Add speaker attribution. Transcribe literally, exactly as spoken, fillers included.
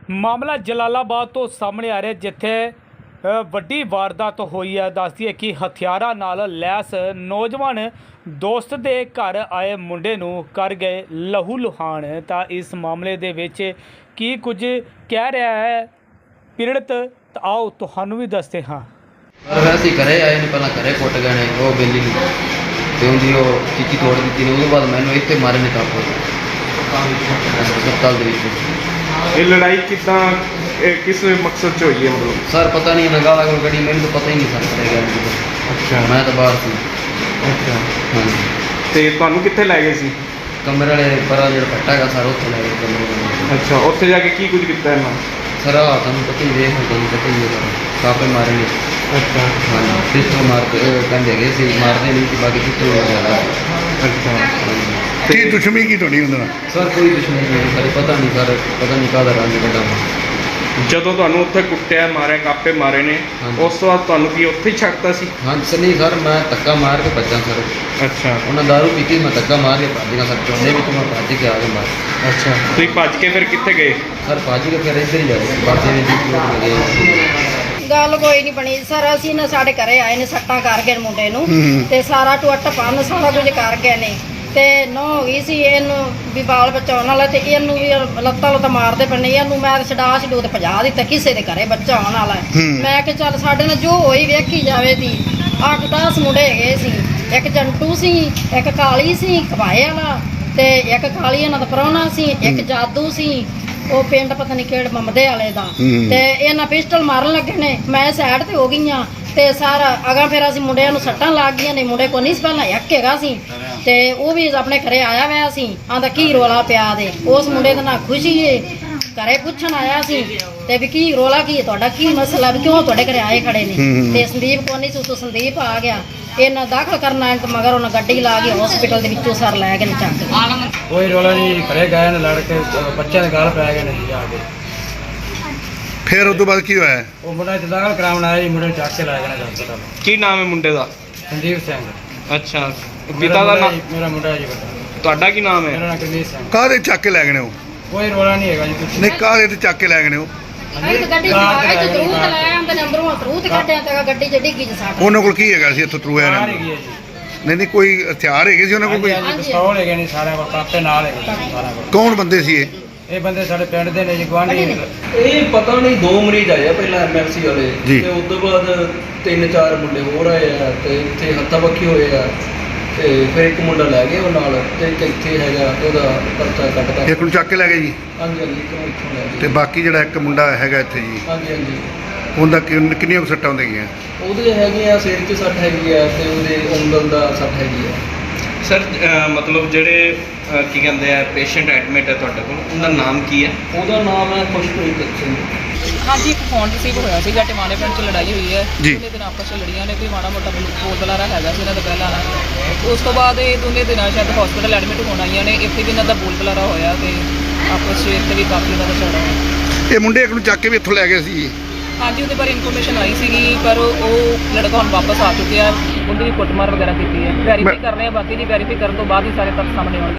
Speaker 1: ਮਾਮਲਾ ਜਲਾਲਾਬਾਦ ਤੋਂ ਸਾਹਮਣੇ ਆ ਰਿਹਾ, ਜਿੱਥੇ ਅ, ਵੱਡੀ ਵਾਰਦਾਤ ਹੋਈ ਹੈ। ਦੱਸਦੀ ਹੈ ਕਿ ਹਥਿਆਰਾਂ ਨਾਲ ਲੈਸ ਨੌਜਵਾਨ ਦੋਸਤ ਦੇ ਘਰ ਆਏ ਮੁੰਡੇ ਨੂੰ ਕਰ ਗਏ ਲਹੂ ਲੁਹਾਨ। ਤਾਂ ਇਸ ਮਾਮਲੇ ਦੇ ਵਿੱਚ ਕੀ ਕੁਝ ਕਹਿ ਰਿਹਾ ਹੈ ਪੀੜਤ, ਤਾਂ ਆਓ ਤੁਹਾਨੂੰ ਵੀ ਦੱਸਦੇ ਹਾਂ।
Speaker 2: ਵੈਸੇ ਘਰੇ ਆਏ ਨੇ, ਪਹਿਲਾਂ ਘਰੇ ਕੁੱਟ ਗਏ ਨੇ ਉਹ ਬੇਲੀ ਨੂੰ ਤੇ ਉਹਦੀ ਉਹ ਚੀਚੀ ਤੋੜ ਦਿੱਤੀ ਨੇ। ਉਹਦੇ ਬਾਅਦ ਮੈਨੂੰ ਇੱਥੇ ਮਾਰੇ ਨੇ ਕਾਪੋ ਹਸਪਤਾਲ ਦੇ ਵਿੱਚ।
Speaker 3: ਇਹ ਲੜਾਈ ਕਿੱਦਾਂ ਕਿਸ ਮਕਸਦ 'ਚ ਹੋਈ ਹੈ? ਮਤਲਬ
Speaker 2: ਸਰ ਪਤਾ ਨਹੀਂ ਲਗਾ ਲਾ ਕੋਈ ਗੱਡੀ, ਮੈਨੂੰ ਤਾਂ ਪਤਾ ਹੀ ਨਹੀਂ ਸਰ ਕਰੇਗਾ।
Speaker 3: ਅੱਛਾ,
Speaker 2: ਮੈਂ ਤਾਂ ਬਾਹਰ ਸੀ।
Speaker 3: ਅੱਛਾ,
Speaker 2: ਹਾਂਜੀ।
Speaker 3: ਤੇ ਤੁਹਾਨੂੰ ਕਿੱਥੇ ਲੈ ਗਏ ਸੀ?
Speaker 2: ਕਮਰੇ ਵਾਲੇ ਪਰਾਂ ਜਿਹੜਾ ਫੱਟਾ ਹੈਗਾ ਸਰ ਉੱਥੇ ਲੈ ਗਏ ਕਮਰੇ ਵਾਲੇ।
Speaker 3: ਅੱਛਾ, ਉੱਥੇ ਜਾ ਕੇ ਕੀ ਕੁਝ ਕੀਤਾ ਇਹਨਾਂ?
Speaker 2: ਸਰ ਆ ਤੁਹਾਨੂੰ ਪਤਾ ਹੀ ਵੇਖ ਤੁਹਾਨੂੰ ਪਤਾ ਹੀ ਹੈ ਸਰ ਕਾਪੇ ਮਾਰੇ ਨੇ।
Speaker 3: ਅੱਛਾ,
Speaker 2: ਹਾਂਜੀ, ਪਿਸਟਲ ਮਾਰ ਕੇ ਕਹਿੰਦੇ ਹੈਗੇ ਸੀ ਮਾਰਦੇ ਨਹੀਂ ਸੀ, ਬਾਕੀ ਪਿਸਟਲ ਵਗੈਰਾ।
Speaker 3: ਅੱਛਾ,
Speaker 4: ਕੀ ਦੁਸ਼ਮਣੀ ਕੀ ਤੁਹਾਡੀ ਉਹਦੇ ਨਾਲ?
Speaker 2: ਸਰ ਕੋਈ ਦੁਸ਼ਮਣੀ ਨਹੀਂ ਸਰ, ਪਤਾ ਨਹੀਂ ਸਰ, ਪਤਾ ਨਹੀਂ ਕਾਹਦਾ ਰੰਗ ਕੱਢਾ।
Speaker 3: ਜਦੋਂ ਤੁਹਾਨੂੰ ਉੱਥੇ ਕੁੱਟਿਆ ਮਾਰਿਆ ਕਾਪੇ ਮਾਰੇ ਨੇ,
Speaker 2: ਹਾਂਜੀ।
Speaker 3: ਉਸ ਤੋਂ ਬਾਅਦ ਤੁਹਾਨੂੰ ਕੀ ਉੱਥੇ ਹੀ ਛੱਡਤਾ ਸੀ?
Speaker 2: ਹਾਂਜੀ ਸਰ, ਨਹੀਂ ਸਰ ਮੈਂ ਧੱਕਾ ਮਾਰ ਕੇ ਭੱਜਾਂ ਸਰ।
Speaker 3: ਅੱਛਾ,
Speaker 2: ਉਹਨਾਂ ਦਾਰੂ ਪੀਤੀ, ਮੈਂ ਧੱਕਾ ਮਾਰ ਕੇ ਭੱਜ ਗਿਆ ਸਰ। ਚੋਂਦੇ ਵਿੱਚ ਮੈਂ ਭੱਜ ਕੇ ਆ ਗਿਆ ਮਾਰ।
Speaker 3: ਅੱਛਾ, ਤੁਸੀਂ ਭੱਜ ਕੇ ਫਿਰ ਕਿੱਥੇ ਗਏ?
Speaker 2: ਸਰ ਭੱਜ ਕੇ ਫਿਰ ਇੱਧਰ ਹੀ ਜਾਏ ਬਾਜੇ ਦੇ ਵਿੱਚ ਲੋਕ ਗਏ।
Speaker 5: ਗੱਲ ਕੋਈ ਨਹੀਂ ਬਣੀ ਸਰ। ਅਸੀਂ ਨਾ ਸਾਡੇ ਘਰੇ ਆਏ ਨੇ, ਸੱਟਾਂ ਕਰ ਗਏ ਮੁੰਡੇ ਨੂੰ ਤੇ ਸਾਰਾ ਟੁੱਟ ਪੰਨ ਸਾਰਾ ਕੁਝ ਕਰ ਗਏ ਨੇ। ਤੇ ਨੌ ਹੋ ਗਈ ਸੀ ਇਹਨੂੰ ਵੀ ਬਾਲ ਬਚਾਉਣ ਵਾਲਾ, ਤੇ ਇਹਨੂੰ ਵੀ ਲੱਤਾਂ ਲੁੱਤਾਂ ਮਾਰਦੇ ਪਏ। ਇਹਨੂੰ ਮੈਂ ਛਡਾ ਛਡੂ ਤੇ ਭਜਾ ਦਿੱਤਾ ਕਿਸੇ ਦੇ ਘਰੇ ਬੱਚਾ ਆਉਣ ਵਾਲਾ। ਮੈਂ ਕਿ ਚੱਲ ਸਾਡੇ ਨਾਲ ਜੋ ਹੋਈ ਵੇਖੀ ਜਾਵੇ। ਦੀ ਅੱਠ ਦਸ ਮੁੰਡੇ ਹੈਗੇ ਸੀ, ਇੱਕ ਜੰਟੂ ਸੀ, ਇੱਕ ਕਾਲੀ ਸੀ ਖਵਾਏ ਵਾਲਾ, ਤੇ ਇੱਕ ਕਾਲੀ ਇਹਨਾਂ ਦਾ ਪ੍ਰਾਹੁਣਾ ਸੀ, ਇੱਕ ਜਾਦੂ ਸੀ ਉਹ ਪਿੰਡ ਪਤਾ ਨਹੀਂ ਕਿਹੜੇ ਮਮਦੇ ਵਾਲੇ ਦਾ। ਤੇ ਇਹਨਾਂ ਪਿਸਟਲ ਮਾਰਨ ਲੱਗੇ ਨੇ, ਮੈਂ ਸਾਈਡ ਤੇ ਹੋ ਗਈਆਂ ਤੇ ਸਾਰਾ ਅਗਾ ਫਿਰ ਅਸੀਂ ਮੁੰਡਿਆਂ ਨੂੰ ਸੱਟਾਂ ਲੱਗ ਗਈਆਂ ਨੇ। ਮੁੰਡੇ ਕੋ ਨਹੀਂ ਸੀ ਪਹਿਲਾਂ ਇੱਕ ਹੈਗਾ ਸੀ ਤੇ ਉਹ ਵੀ ਆਪਣੇ ਘਰੇ ਆਇਆ ਹੋਇਆ ਸੀ। ਆਂਦਾ ਕੀ ਰੋਲਾ ਪਿਆ ਦੇ ਉਸ ਮੁੰਡੇ ਦਾ ਨਾ ਖੁਸ਼ੀ ਏ, ਘਰੇ ਪੁੱਛਣ ਆਇਆ ਸੀ ਤੇ ਵੀ ਕੀ ਰੋਲਾ ਕੀ ਹੈ ਤੁਹਾਡਾ, ਕੀ ਮਸਲਾ, ਵੀ ਕਿਉਂ ਤੁਹਾਡੇ ਘਰੇ ਆਏ ਖੜੇ ਨੇ। ਤੇ ਸੰਦੀਪ ਕੋ ਨਹੀਂ ਸੀ, ਉਤੋਂ ਸੰਦੀਪ ਆ ਗਿਆ। ਇਹਨਾਂ ਦਾਖਲ ਕਰਨਾ ਤੇ ਮਗਰ ਉਹਨਾਂ ਗੱਡੀ ਲਾ ਕੇ ਹਸਪੀਟਲ ਦੇ ਵਿੱਚੋਂ ਸਰ ਲੈ ਕੇ ਨੇ ਚੱਕ ਕੇ।
Speaker 6: ਕੋਈ ਰੋਲਾ ਨਹੀਂ, ਘਰੇ ਗਏ ਨੇ ਲੜ ਕੇ, ਬੱਚਿਆਂ ਦੇ ਗਾਲ ਪੈ ਗਏ ਨੇ ਜਾ ਕੇ।
Speaker 4: ਫਿਰ ਉਸ ਤੋਂ ਬਾਅਦ ਕੀ ਹੋਇਆ?
Speaker 6: ਉਹ ਮੁੰਡਾ ਇੱਥੇ ਦਾਖਲ ਕਰਾਉਣ ਆਇਆ ਜੀ, ਮੁੰਡੇ ਨੂੰ ਚੱਕ ਕੇ ਲੈ ਗਏ ਨੇ ਹਸਪਤਾਲ।
Speaker 3: ਕੀ ਨਾਮ ਹੈ ਮੁੰਡੇ ਦਾ?
Speaker 6: ਸੰਦੀਪ ਸਿੰਘ।
Speaker 3: ਅੱਛਾ, ਪਿਤਾ ਦਾ ਨਾਮ?
Speaker 6: ਮੇਰਾ ਮੁੰਡਾ ਜੀ ਵੱਡਾ।
Speaker 3: ਤੁਹਾਡਾ ਕੀ ਨਾਮ
Speaker 6: ਮੇਰਾ
Speaker 3: ਹੈ?
Speaker 6: ਨਾਮ ਕਰਮੀਤ ਸਿੰਘ।
Speaker 4: ਕਾਹਦੇ ਚੱਕ ਕੇ ਲੈ ਗਏ ਨੇ ਉਹ?
Speaker 6: ਕੋਈ ਰੋਲਾ ਨਹੀਂ ਹੈਗਾ ਜੀ ਕੁਛ।
Speaker 4: ਨਹੀਂ, ਕਾਹਦੇ ਤੇ ਚੱਕ ਕੇ ਲੈ ਗਏ ਨੇ ਉਹ?
Speaker 5: ਅਸੀਂ ਤਾਂ ਗੱਡੀ ਚਲਾ ਕੇ ਤੇ ਤਰੂਤ ਲੈ ਆਂਦੇ ਨੇ, ਅੰਦਰੋਂ ਤਰੂਤ ਕੱਢਿਆ ਤੇ ਗੱਡੀ ਚ ਡਿੱਗੀ ਚ ਸਾਡਾ।
Speaker 4: ਉਹਨਾਂ ਕੋਲ ਕੀ ਹੈਗਾ ਸੀ ਇੱਥੋਂ ਤਰੂਆ
Speaker 6: ਕਾਰ
Speaker 4: ਨੇ?
Speaker 6: ਹੈਗੀ ਹੈ ਜੀ।
Speaker 4: ਨਹੀਂ ਨਹੀਂ, ਕੋਈ ਹਥਿਆਰ ਹੈਗੇ ਸੀ ਉਹਨਾਂ ਕੋਲ ਕੋਈ?
Speaker 6: ਹਾਂਜੀ, ਪਿਸਤੌਲ ਹੈਗੇ ਨੇ ਸਾਰਿਆਂ ਕੋਲ, ਕਾਪੇ ਨਾਲ ਹੈਗੇ ਨੇ ਸਾਰਿਆਂ ਕੋਲ।
Speaker 4: ਕੌਣ ਬੰਦੇ ਸੀ ਇਹ?
Speaker 6: ਇਹ ਬੰਦੇ ਸਾਡੇ ਪਿੰਡ ਦੇ ਨੇ ਜੀ, ਗੁਆਂਢੀ ਨੇ।
Speaker 2: ਇਹ ਪਤਾ ਨਹੀਂ ਦੋ ਮਰੀਜ਼ ਆਏ ਆ ਪਹਿਲਾਂ ਐਮਐਲਸੀ ਵਾਲੇ,
Speaker 4: ਜੀ।
Speaker 2: ਤੇ ਉਸ ਤੋਂ ਬਾਅਦ ਤਿੰਨ ਚਾਰ ਮੁੰਡੇ ਹੋਰ ਆਏ ਆ ਤੇ ਇੱਥੇ ਹੱਥਾਂ ਪੱਖੀ ਹੋਏ ਆ। ਤੇ ਫਿਰ ਇੱਕ ਮੁੰਡਾ ਲੈ ਗਏ ਉਹ ਨਾਲ, ਤੇ ਇੱਕ ਇੱਥੇ ਹੈਗਾ ਤੇ ਉਹਦਾ ਪਰਚਾ ਕੱਟਦਾ।
Speaker 4: ਇੱਕ ਨੂੰ ਚੱਕ ਕੇ ਲੈ ਗਏ ਜੀ?
Speaker 2: ਹਾਂਜੀ ਹਾਂਜੀ, ਇੱਕ ਨੂੰ ਇੱਥੋਂ ਲੈ ਗਏ।
Speaker 4: ਤੇ ਬਾਕੀ ਜਿਹੜਾ ਇੱਕ ਮੁੰਡਾ ਹੈਗਾ ਇੱਥੇ ਜੀ,
Speaker 2: ਹਾਂਜੀ ਹਾਂਜੀ,
Speaker 4: ਉਹਦਾ ਕਿੰਨ- ਕਿੰਨੀਆਂ ਕੁ ਸੱਟਾਂ ਹੁੰਦੀਆਂ?
Speaker 2: ਉਹਦੇ ਹੈਗੇ ਆ ਸਿਰ 'ਚ ਸੱਟ ਹੈਗੀ ਆ ਤੇ ਉਹਦੇ ਉਂਗਲ ਦਾ ਸੱਟ ਹੈਗੀ ਆ।
Speaker 3: ਸਰ ਮਤਲਬ ਜਿਹੜੇ ਅਹ, ਕੀ ਕਹਿੰਦੇ ਆ ਪੇਸ਼ੈਂਟ ਐਡਮਿਟ ਹੈ ਤੁਹਾਡੇ ਕੋਲ, ਉਹਦਾ ਨਾਮ ਕੀ ਹੈ?
Speaker 2: ਉਹਦਾ ਨਾਮ ਹੈ ਖੁਸ਼ਪ੍ਰੀਤ ਸਿੰਘ।
Speaker 7: ਹਾਂਜੀ, ਇੱਕ ਫੋਨ ਰਿਸੀਵ ਹੋਇਆ ਸੀਗਾ, ਟਿਮਾਣੇ ਪਿੰਡ 'ਚ ਲੜਾਈ ਹੋਈ ਹੈ।
Speaker 4: ਜੀ।
Speaker 7: ਦੋਨੇ ਦਿਨ ਆਪਸ 'ਚ ਲੜੀਆਂ ਨੇ, ਕੋਈ ਮਾੜਾ ਮੋਟਾ ਬੋਲ ਬਲਾਰਾ ਹੈਗਾ ਸੀ ਇਹਨਾਂ ਦਾ ਪਹਿਲਾਂ ਨਾਲ। ਉਸ ਤੋਂ ਬਾਅਦ ਇਹ ਦੋਨੇ ਦਿਨਾਂ ਸ਼ਾਇਦ ਹਸਪੀਟਲ ਐਡਮਿਟ ਹੋਣ ਆਈਆਂ ਨੇ। ਇੱਥੇ ਵੀ ਇਹਨਾਂ ਦਾ ਬੋਲ ਬਲਾਰਾ ਹੋਇਆ ਤੇ ਆਪਸ 'ਚ ਇੱਥੇ ਵੀ ਕਾਫੀ ਇਹਨਾਂ ਦਾ ਝਗੜਾ ਹੋਇਆ।
Speaker 4: ਇਹ ਮੁੰਡੇ ਇੱਕ ਨੂੰ ਚੱਕ ਕੇ ਵੀ ਇੱਥੋਂ ਲੈ ਗਏ ਸੀ?
Speaker 7: ਹਾਂਜੀ, ਉਹਦੇ ਬਾਰੇ ਇਨਫੋਰਮੇਸ਼ਨ ਆਈ ਸੀਗੀ, ਪਰ ਉਹ ਲੜਕਾ ਹੁਣ ਵਾਪਸ ਆ ਚੁੱਕਿਆ। ਉਹਦੀ ਕੁੱਟਮਾਰ ਵਗੈਰਾ ਕੀਤੀ ਹੈ। ਵੈਰੀਫਾਈ ਕਰ ਰਹੇ ਆ, ਬਾਕੀ ਦੀ ਵੈਰੀਫਾਈ ਕਰਨ ਤੋਂ ਬਾਅਦ ਹੀ ਸਾਰੇ ਤੱਥ ਸਾਹਮਣੇ ਆਉਣਗੇ।